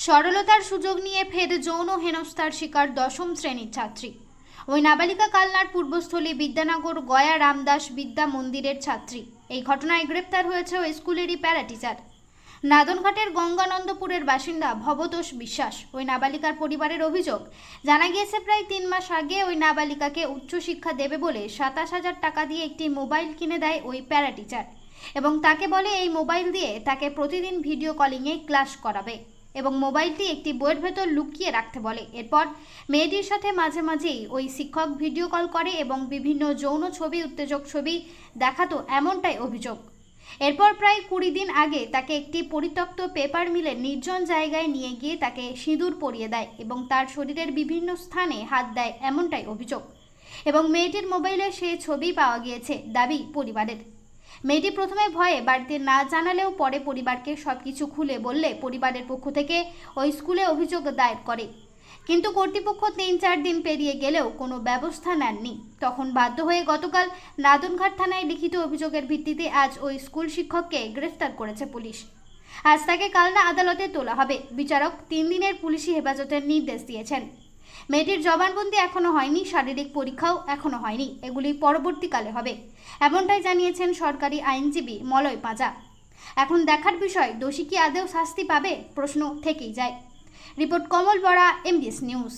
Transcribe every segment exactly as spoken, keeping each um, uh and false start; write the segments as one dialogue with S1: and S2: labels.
S1: সরলতার সুযোগ নিয়ে ফের যৌন হেনস্থার শিকার দশম শ্রেণীর ছাত্রী। ওই নাবালিকা কালনার পূর্বস্থলী বিদ্যানগর গয়া রামদাস বিদ্যা মন্দিরের ছাত্রী। এই ঘটনায় গ্রেপ্তার হয়েছে ওই স্কুলেরই প্যারা টিচার। নাদনঘাটের গঙ্গানন্দপুরের বাসিন্দা ভবতোষ বিশ্বাস ওই নাবালিকার পরিবারের অভিযোগ, জানা গিয়েছে প্রায় তিন মাস আগে ওই নাবালিকাকে উচ্চশিক্ষা দেবে বলে সাতাশ হাজার টাকা দিয়ে একটি মোবাইল কিনে দেয় ওই প্যারা টিচার এবং তাকে বলে এই মোবাইল দিয়ে তাকে প্রতিদিন ভিডিও কলিংয়ে ক্লাস করাবে এবং মোবাইলটি একটি বইয়ের ভেতর লুকিয়ে রাখতে বলে। এরপর মেয়েটির সাথে মাঝে মাঝেই ওই শিক্ষক ভিডিও কল করে এবং বিভিন্ন যৌন ছবি উত্তেজক ছবি দেখাতো, এমনটাই অভিযোগ। এরপর প্রায় কুড়ি দিন আগে তাকে একটি পরিত্যক্ত পেপার মিলের নির্জন জায়গায় নিয়ে গিয়ে তাকে সিঁদুর পরিয়ে দেয় এবং তার শরীরের বিভিন্ন স্থানে হাত দেয়, এমনটাই অভিযোগ। এবং মেয়েটির মোবাইলে সেই ছবি পাওয়া গিয়েছে দাবি পরিবারের। মেয়েটি প্রথমে ভয়ে বাড়িতে না জানালেও পরে পরিবারকে সবকিছু খুলে বললে পরিবারের পক্ষ থেকে ওই স্কুলে অভিযোগ দায়ের করে, কিন্তু কর্তৃপক্ষ তিন চার দিন পেরিয়ে গেলেও কোনো ব্যবস্থা নেননি। তখন বাধ্য হয়ে গতকাল নাদনঘাট থানায় লিখিত অভিযোগের ভিত্তিতে আজ ওই স্কুল শিক্ষককে গ্রেফতার করেছে পুলিশ। আজ তাকে কালনা আদালতে তোলা হবে। বিচারক তিন দিনের পুলিশি হেফাজতের নির্দেশ দিয়েছেন। মেয়েটির জবানবন্দি এখনো হয়নি, শারীরিক পরীক্ষাও এখনো হয়নি, এগুলি পরবর্তীকালে হবে, এমনটাই জানিয়েছেন সরকারি আইনজীবী মলয় পাঁজা। এখন দেখার বিষয়, দোষী কি আদৌ শাস্তি পাবে, প্রশ্ন থেকেই যায়। Report Kamal Bora, MBS news.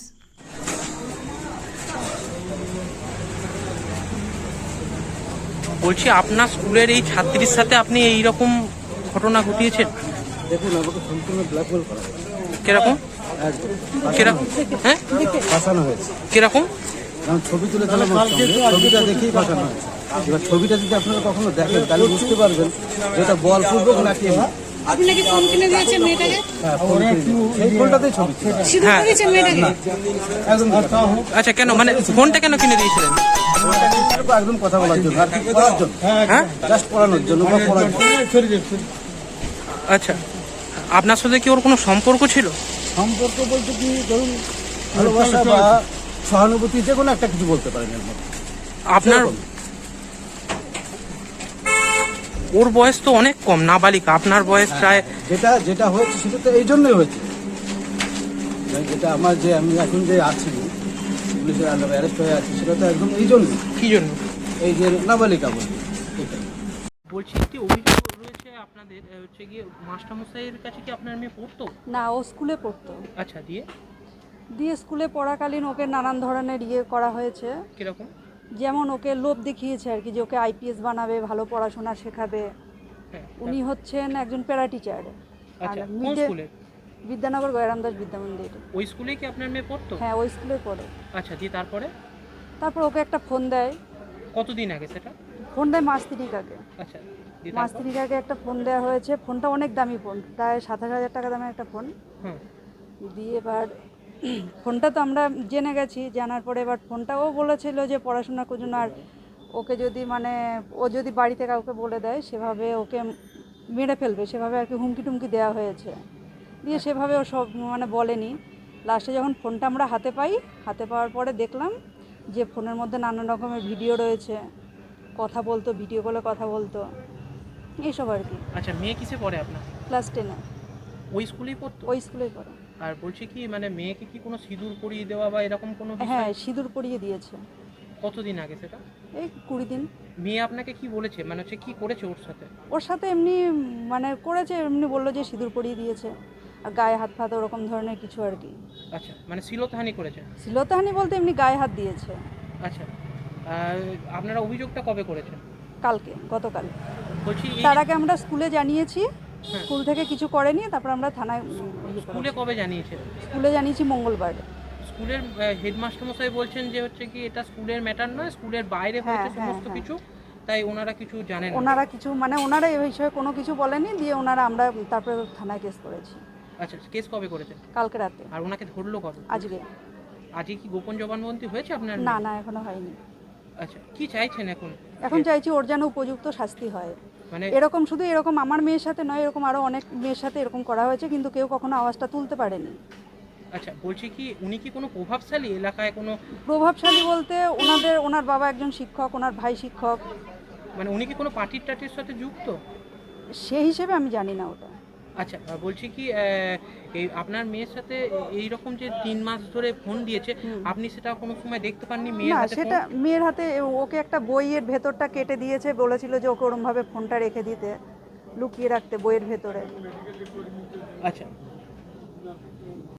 S2: বলছি, আপনার স্কুলের এই ছাত্রীর সাথে আপনি এই রকম ঘটনা ঘটিয়েছেন?
S3: দেখুন, আমাকে সম্পূর্ণ ব্ল্যাকমেল করা হয়েছে।
S2: কিরকম কিরকম হ্যাঁ
S3: ফাঁসানো হয়েছে।
S2: কিরকম?
S3: কারণ ছবি তুলে দিলাম, ছবিটা দেখেই ফাঁসানো হয়েছে। এবার ছবিটা যদি আপনারা কখনো দেখেন তাহলে বুঝতে পারবেন যেটা বলপূর্বক নাকি
S4: আপনি নাকি ফোন কিনে দিয়েছেন মেয়েটাকে?
S3: হ্যাঁ, ফোন কিনে দিয়েছি। এই ফোনটাতেই ছবি ছিল।
S4: সিঁদুর পরিয়েছেন মেয়েটাকে?
S3: একদম
S2: আচ্ছা, কেন মানে ফোনটা কেন কিনে দিয়েছিলেন?
S3: একদম কথা বলার জন্য, আর কি পড়ার জন্য,
S2: হ্যাঁ
S3: জাস্ট পড়ানোর জন্য বা পড়ার জন্য।
S2: আচ্ছা, আপনার সাথে কি ওর কোনো সম্পর্ক ছিল?
S3: সম্পর্ক বলতে কি, ধরুন ভালোবাসা বা সহানুভূতি, যে কোনো একটা কিছু বলতে পারেন এর মধ্যে।
S2: আপনার ওর বয়স তো অনেক কম, নাবালিকা, আপনার বয়স প্রায়।
S3: যেটা যেটা হয়েছে সেটা তো এই জন্যই হয়েছে, যেটা আমার যে আমি এখন যে আছি পুলিশের আন্ডারে অ্যারেস্ট হয়ে আছি, সেটা তো একদম এই জন্য।
S2: কি জন্য?
S3: এই যে নাবালিকা বলছি।
S2: বলছি, একটি অভিযোগ রয়েছে আপনাদের, হচ্ছে গিয়ে মাস্টারমশাইয়ের কাছে কি আপনার মেয়ে পড়তো?
S4: না, ও স্কুলে পড়তো।
S2: আচ্ছা, দিয়ে
S4: দিয়ে স্কুলে পড়াকালীন ওকে নানান ধরনের ইয়ে করা হয়েছে।
S2: কিরকম?
S4: যেমন ওকে লোভ দেখিয়েছে আর কি, যে ওকে আইপিএস বানাবে, ভালো পড়াশোনা শেখাবে।
S2: হ্যাঁ,
S4: উনি হচ্ছেন একজন প্যারা টিচার।
S2: আচ্ছা,
S4: আর
S2: কোন
S4: মিডে
S2: স্কুলে?
S4: বিদ্যানগর গয়রামদাস বিদ্যা মন্দির।
S2: ওই স্কুলেই কি আপনার মেয়ে পড়তো?
S4: হ্যাঁ, ওই স্কুলে পড়ে।
S2: আচ্ছা, দিয়ে তারপরে
S4: তারপর ওকে একটা ফোন দেয়।
S2: কতদিন আগে সেটা?
S4: ফোন দেয় মাস তিরিক আগে।
S2: আচ্ছা, দিয়ে
S4: মাস
S2: তারপর?
S4: তিরিক আগে একটা ফোন দেওয়া হয়েছে। ফোনটা অনেক দামি ফোন, প্রায় সাতাশ হাজার টাকা দামের একটা ফোন।
S2: হুম,
S4: দিয়ে এবার ফোনটা তো আমরা জেনে গেছি, জানার পরে এবার ফোনটাও বলেছিল যে পড়াশোনার জন্য, আর ওকে যদি মানে ও যদি বাড়িতে কাউকে বলে দেয় সেভাবে ওকে মেরে ফেলবে, সেভাবে আর কি হুমকি টুমকি দেওয়া হয়েছে। দিয়ে সেভাবে ও সব মানে বলেনি। লাস্টে যখন ফোনটা আমরা হাতে পাই, হাতে পাওয়ার পরে দেখলাম যে ফোনের মধ্যে নানান রকমের ভিডিও রয়েছে, কথা বলতো, ভিডিও কলে কথা বলতো, এইসব আর কি।
S2: আচ্ছা, মেয়ে কিসে পড়ে আপনার?
S4: ক্লাস টেনে।
S2: ওই স্কুলেই পড়তো?
S4: ওই স্কুলেই পড়ে।
S2: আর বলছি কি, মানে মেয়েকে কি কোনো সিঁদুর পরিয়ে দেওয়া বা এরকম কোনো বিষয়?
S4: হ্যাঁ, সিঁদুর পরিয়ে দিয়েছে।
S2: কতদিন আগে সেটা?
S4: এই কুড়ি দিন।
S2: মেয়ে আপনাকে কি বলেছে, মানে হচ্ছে কি করেছে ওর সাথে?
S4: ওর সাথে এমনি মানে করেছে, এমনি বললো যে সিঁদুর পরিয়ে দিয়েছে, আর গায়ে হাত ফাত ওরকম ধরনের কিছু আর কি।
S2: আচ্ছা, মানে শ্লীলতাহানি করেছে?
S4: শ্লীলতাহানি বলতে এমনি গায়ে হাত দিয়েছে।
S2: আচ্ছা, আর আপনারা অভিযোগটা কবে করেছেন?
S4: কালকে, গতকাল।
S2: বলছি, এই
S4: তার আগে আমরা স্কুলে জানিয়েছি,
S2: হ্যাঁ।
S4: স্কুল থেকে কিছু করেনি, তারপর আমরা থানায় উম, ইয়ে
S2: স্কুলে
S4: করেছি।
S2: কবে জানিয়েছেন?
S4: স্কুলে জানিয়েছি মঙ্গলবার।
S2: স্কুলের হেডমাস্টার মশাই বলছেন যে হচ্ছে কি এটা স্কুলের ম্যাটার নয়, স্কুলের বাইরে
S4: হ্যাঁ,
S2: হয়েছে
S4: হ্যাঁ,
S2: সমস্ত
S4: হ্যাঁ।
S2: কিছু, তাই ওনারা কিছু জানেন না।
S4: ওনারা কিছু মানে ওনারা এই বিষয়ে কোনো কিছু বলেনি। দিয়ে ওনারা আমরা তারপরে থানায় কেস করেছি
S2: আচ্ছা, কেস কবে করেছেন?
S4: কালকে রাতে।
S2: আর ওনাকে ধরলো কবে?
S4: আজকে
S2: আজকে কি গোপন জবানবন্দি হয়েছে আপনার?
S4: না, না, এখনো হয়নি।
S2: আচ্ছা, কি চাইছেন এখন?
S4: এখন চাইছি ওর যেন উপযুক্ত শাস্তি হয়।
S2: মানে
S4: এরকম শুধু এরকম আমার মেয়ের সাথে নয়, এরকম আরো অনেক মেয়ের সাথে এরকম করা হয়েছে, কিন্তু কেউ কখনো আওয়াজটা তুলতে পারেনি।
S2: আচ্ছা, বলছি কি, উনি কি কোনো প্রভাবশালী এলাকায় কোনো?
S4: প্রভাবশালী বলতে ওনাদের ওনার বাবা একজন শিক্ষক, ওনার ভাই শিক্ষক।
S2: মানে উনি কি কোনো পার্টির টাটির সাথে যুক্ত?
S4: সেই হিসেবে আমি জানি না ওটা।
S2: আচ্ছা আহ, বলছি কি আহ, এই আপনার মেয়ের সাথে এই রকম যে তিন মাস ধরে ফোন দিয়েছে, আপনি সেটা কোনো সময় দেখতে পাননি মেয়ের
S4: না
S2: হাতে
S4: সেটা
S2: ফোন?
S4: মেয়ের হাতে ওকে একটা বইয়ের ভেতরটা কেটে দিয়েছে, বলেছিল যে ওকে ওরমভাবে ফোনটা রেখে দিতে, লুকিয়ে রাখতে বইয়ের ভেতরে।
S2: আচ্ছা